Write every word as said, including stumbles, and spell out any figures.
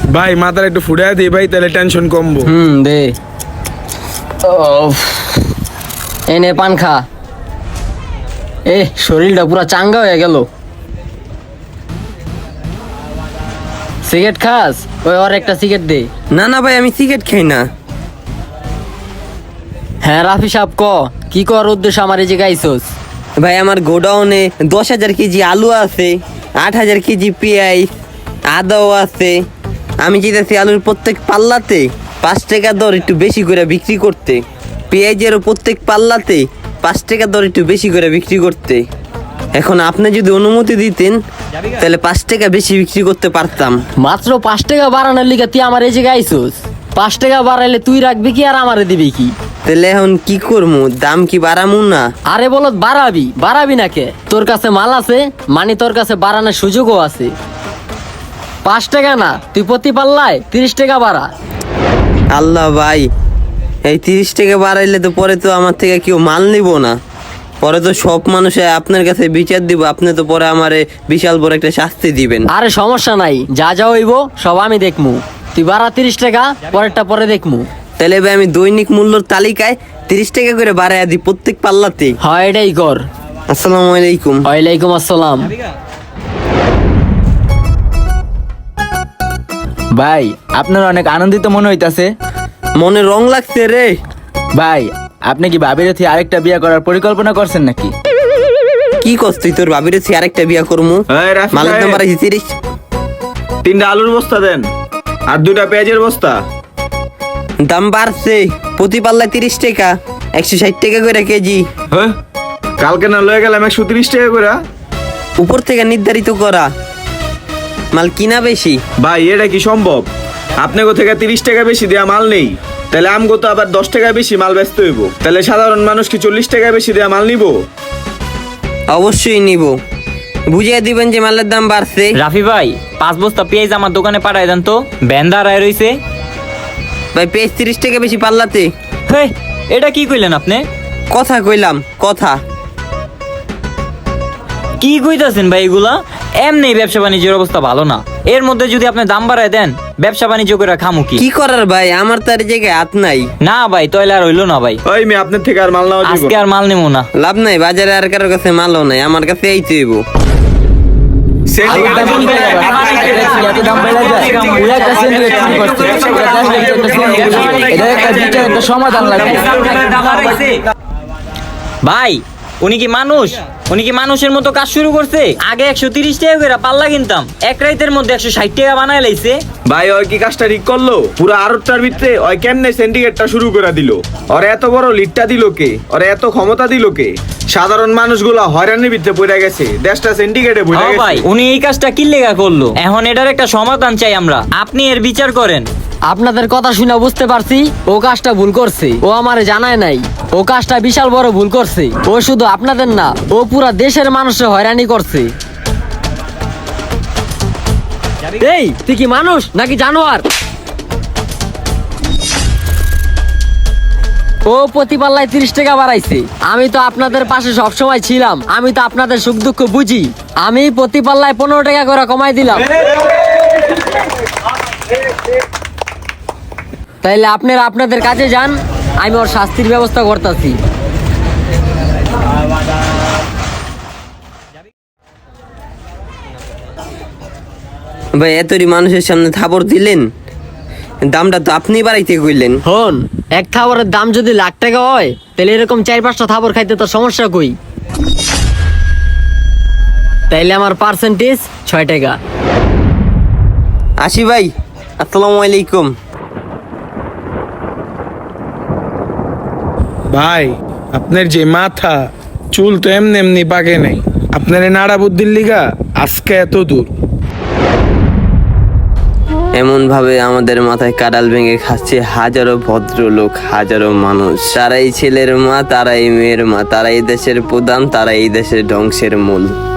ভাই মাথার একটু ফুটায় দিই ভাই, তাহলে টেনশন কমবো। হুম দে। এনে পান খা। এ শরীরটা পুরা চাঙ্গা হয়ে গেল। সিগারেট খাস? ওই আর একটা সিগারেট দে। না না ভাই, আমি সিগারেট খাই না। হ্যাঁ রাফি সাহেব, ক কি কর উদ্দেশ্য আমার এই জায়গায় আইসোস? ভাই আমার গোডাউনে দশ হাজার কেজি আলু আছে, আট হাজার কেজি পেঁয়াজ, আদাও আছে। আমি চাইতেছি আলুর প্রত্যেক পাল্লাতে পাঁচ টাকা দর একটু বেশি করে বিক্রি করতে, পেঁয়াজেরও প্রত্যেক পাল্লাতে পাঁচ টাকা দর একটু বেশি করে বিক্রি করতে। এখন আপনি যদি অনুমতি দিতেন তাহলে পাঁচ টাকা বেশি বিক্রি করতে পারতাম। মাত্র পাঁচ টাকা বাড়ানোর লিগে তুই আমার এই জায়গায় আইসোস? পাঁচ টাকা বাড়াইলে তুই রাখবি কি আর আমারে দিবি কি? তাহলে এখন কি করবো? দাম কি বাড়ামু না? আরে বলত বাড়াবি, বাড়াবি না কে? তোর কাছে মাল আছে, মানে তোর কাছে বাড়ানোর সুযোগও আছে। পাঁচ টাকা না, তুই প্রতি পাল্লায় তিরিশ টাকা বাড়া। আল্লাহ ভাই, এই তিরিশ টাকা বাড়াইলে তো পরে তো আমার থেকে কেউ মাল নিব না। পরে তো সব মানুষ আপনার কাছে বিচার দিব, আপনি তো পরে আমারে বিশাল বড় একটা শাস্তি দিবেন। আরে সমস্যা নাই, যা যা হইব সব আমি দেখমু। তুই বাড়া তিরিশ টাকা, পরেরটা পরে দেখমু। তাহলে ভাই আমি দৈনিক মূল্যর তালিকায় তিরিশ টাকা করে বাড়াইয়া দিই প্রত্যেক পাল্লাতে। হয় এটাই কর। আসসালামু আলাইকুম। ওয়ালাইকুম আসসালাম। ভাই আপনার অনেক আনন্দিত মনে হইতাছে। মনে রং লাগছে রে। ভাই আপনি কি ভাবির থেকে আরেকটা বিয়ে করার পরিকল্পনা করছেন নাকি? কি করছ তুই? তোর ভাবির হচ্ছে আরেকটা বিয়া করমু? এই রাফি মালের দাম সাহেব, বাড়াইছি তিরিশ। তিনটা আলুর বস্তা দেন আর দুইটা পেঁয়াজের বস্তা। দাম বাড়ছে, প্রতি পাল্লায় তিরিশ টাকা, একশো ষাট টাকা করে কেজি। হ্যাঁ, কালকে না লয়ে গেলাম একশো তিরিশ টাকা করে। উপর থেকে নির্ধারিত করা মাল কিনা বেশি। ভাই এটা কি সম্ভব? আপনাকে থেকে তিরিশ টাকা বেশি দেয়া মাল নেই, তাহলে আমগো তো আবার দশ টাকা বেশি মাল ব্যস্ত হইব। তাহলে সাধারণ মানুষ কি চল্লিশ টাকা বেশি দেয়া মাল নিব? অবশ্যই নিব। বুঝিয়ে দিবেন যে মালের দাম বাড়ছে। রাফি ভাই, পাঁচ বস্তা পেঁয়াজ আমার দোকানে পাঠায় দেন তো, ব্যান্ডা রায় রইছে। ভাই পেঁয়াজ তিরিশ টাকা বেশি পাল্লাতে। হে, এটা কি কইলেন আপনি? কথা কইলাম কথা। কি কইতাছেন ভাই এগুলা? এমনি ব্যবসা বাণিজ্যের অবস্থা ভালো না, এর মধ্যে যদি আপনি দাম বাড়ায় দেন ব্যবসা বাণিজ্য করে খামু কি? কি করার ভাই, আমার তো আর জায়গায় হাত নাই। না ভাই, তাইলে আর হইলো না ভাই, ওই মেয়ে আপনার থেকে আর মাল নেওয়া যাবে আজকে আর মাল নেবো না। লাভ নাই, বাজারে আর কারোর কাছে মালও নাই, আমার কাছে এই তৈব। সমাধান লাগবে। ভাই উনি কি মানুষ? উনি কি মানুষের মতো কাজ শুরু করছে? আগে একশো তিরিশ টাকা করে পাল্লা কিনতাম, এক রাইতের মধ্যে একশো ষাট টাকা বানায় লাইছে। ভাই ওই কি কাজটা ঠিক করলো? পুরো আড়তটার ভিতরে ওই কেমনে সিন্ডিকেটটা শুরু করে দিল? ওরে এত বড় লিডটা দিল কে? ওরে এত ক্ষমতা দিল কে? সাধারণ মানুষগুলা হয়রানির ভিতরে পড়ে গেছে, দেশটা সিন্ডিকেটে পড়ে হ্যাঁ ভাই, গেছে। উনি এই কাজটা কি লেগা করলো? এখন এটার একটা সমাধান চাই আমরা, আপনি এর বিচার করেন। আপনাদের কথা শুনে বুঝতে পারছি ও কাজটা ভুল করছে। ও আমারে জানায় নাই, ও কাজটা বিশাল বড় ভুল করছে। ও শুধু আপনাদের না, ও পুরা দেশের মানুষের হয়রানি করছে। এই তুই কি মানুষ নাকি জানোয়ার? ও প্রতি পাল্লায় তিরিশ টাকা বাড়াইছে। আমি তো আপনাদের পাশে সবসময় ছিলাম, আমি তো আপনাদের সুখ দুঃখ বুঝি। আমি প্রতি পাল্লায় পনেরো টাকা করে কমাই দিলাম। তাইলে আপনারা আপনাদের কাজে যান, আমি ওর শাস্তির ব্যবস্থা করতেছি। ভাই এতরি মানুষের সামনে থাপড় দিলেন, দামটা তো আপনি বাড়াইতে কইলেন। হন, এক থাবরের দাম যদি লাখ টাকা হয় তাহলে এরকম চার পাঁচটা থাবর খাইতে তো সমস্যা কই? তাইলে আমার পার্সেন্টেজ ছয় টাকা। আসি ভাই, আসসালামু আলাইকুম। ভাই আপনার যে মাথা চুল তো এমনি এমনি পাকে নাই, আপনার এই নাড়া বুদ্ধির লিগা আজকে এত দূর। এমন ভাবে আমাদের মাথায় কাডাল ভেঙে খাচ্ছে হাজারো ভদ্রলোক, হাজারো মানুষ। তারাই ছেলের মা, তারাই মেয়ের মা, তারাই দেশের প্রধান, তারাই দেশের ধ্বংসের মূল।